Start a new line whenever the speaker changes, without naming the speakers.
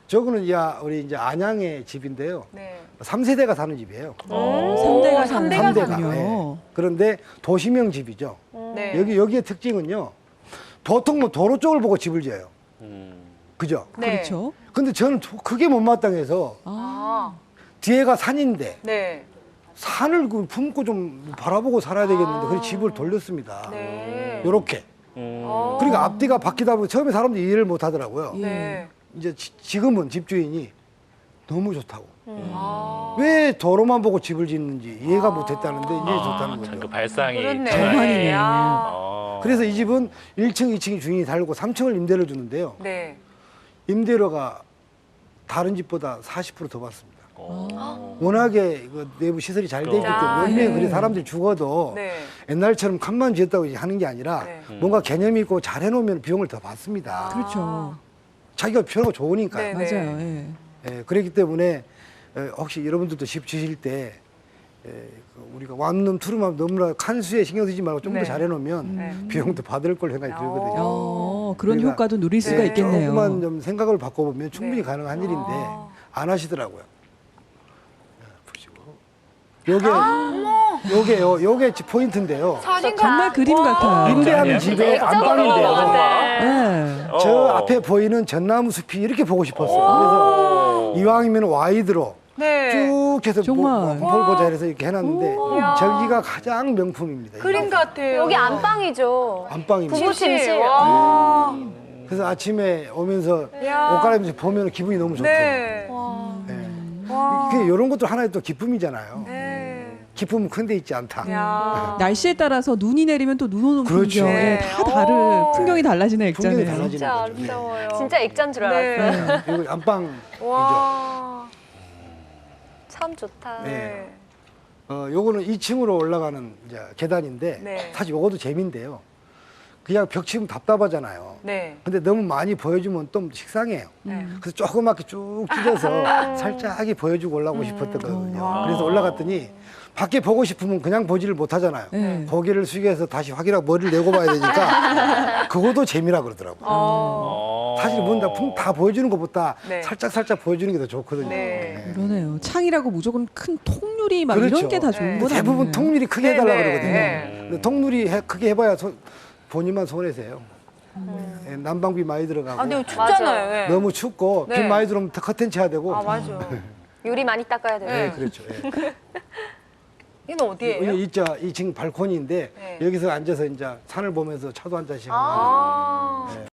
저거는 우리 이제 안양의 집인데요.
네.
3세대가 사는 집이에요.
3대가 사는
삼대가
거군요.
예. 그런데 도시명 집이죠.
네.
여기의 특징은요. 보통 뭐 도로 쪽을 보고 집을 지어요. 그죠?
네.
그렇죠.
근데 저는 그게 못마땅해서
아.
뒤에가 산인데
네.
산을 품고 좀 바라보고 살아야 되겠는데 그래서 집을 돌렸습니다.
네.
요렇게. 그러니까 앞뒤가 바뀌다 보니 처음에 사람들이 이해를 못 하더라고요.
네.
이제 지금은 집주인이 너무 좋다고.
아.
왜 도로만 보고 집을 짓는지 이해가 못 했다는데 이제 좋다는
그
거죠.
발상이
그렇네.
정말이네.
아.
그래서 이 집은 1층, 2층이 주인이 다르고 3층을 임대를 주는데요.
네.
임대료가 다른 집보다 40% 더 받습니다. 워낙에 그 내부 시설이 잘 돼 있기
아,
때문에
네.
그래 사람들이 죽어도
네.
옛날처럼 칸만 지었다고 이제 하는 게 아니라
네.
뭔가 개념이 있고 잘 해놓으면 비용을 더 받습니다.
그렇죠.
자기가 편하고 좋으니까.
네.
맞아요. 예.
예, 그렇기 때문에 혹시 여러분들도 집 지실 때 우리가 완룸, 투룸하면 너무나 칸수에 신경 쓰지 말고 좀 더
네.
잘 해놓으면
네.
비용도 받을 걸 생각이 들거든요.
그런
그러니까
효과도 누릴 수가
네.
있겠네요.
조금만 좀 생각을 바꿔보면 충분히
네.
가능한 일인데
아.
안 하시더라고요. 보시고. 요게 포인트인데요.
정말 그림 같아요.
임대하는 집의 안방인데요.
네.
저 앞에 보이는 전나무 숲이 이렇게 보고 싶었어요. 그래서 이왕이면 와이드로
네.
쭉 해서
정말.
보자 해서 이렇게 해놨는데 저기가 가장 명품입니다.
그림 같아요.
여기 안방이죠.
안방입니다.
부부침실.
와.
그래서 아침에 오면서
야.
옷 갈아입으면서 보면 기분이 너무 좋대요.
네. 와.
이런 것도 하나의 또 기쁨이잖아요.
네.
기쁨은 큰 데 있지 않다.
야.
날씨에 따라서 눈이 내리면 또 눈 오는
그렇죠.
풍경.
네.
다 다른 풍경이 달라지는
풍경이
액자네요.
달라지는
진짜
거죠.
아름다워요.
진짜 액자인 줄 알았어요.
네.
그리고 안방이죠.
와.
참 좋다.
네.
요거는 2층으로 올라가는 이제 계단인데
네.
사실 요것도 재미인데요. 그냥 벽 치면 답답하잖아요.
네.
근데 너무 많이 보여주면 좀 식상해요.
네.
그래서 조그맣게 쭉 찢어서 살짝이 보여주고 올라가고 싶었던 거거든요. 그래서 올라갔더니 밖에 보고 싶으면 그냥 보지를 못하잖아요.
네.
고개를 숙여서 다시 확인하고 머리를 내고 봐야 되니까 그것도 재미라 그러더라고요. 사실 다 보여주는 것보다
네.
살짝 보여주는 게 더 좋거든요.
네.
그러네요. 창이라고 무조건 큰 통유리 막
그렇죠.
이런 게 다 좋은
네.
건
대부분
아니에요.
통률이 크게
네,
해달라
네.
그러거든요.
네.
근데 통률이 크게 해봐야 본인만 손해세요. 예, 난방비 많이 들어가고
아, 근데 춥잖아요. 네.
너무 춥고
네.
비 많이 들어오면 커튼 쳐야 되고.
아, 맞아.
요리 많이 닦아야 돼요.
네, 그렇죠. 예.
이건 어디예요?
이 2층 발코니인데
네.
여기서 앉아서 이제 산을 보면서 차도 한 잔씩 하고.
아.
네.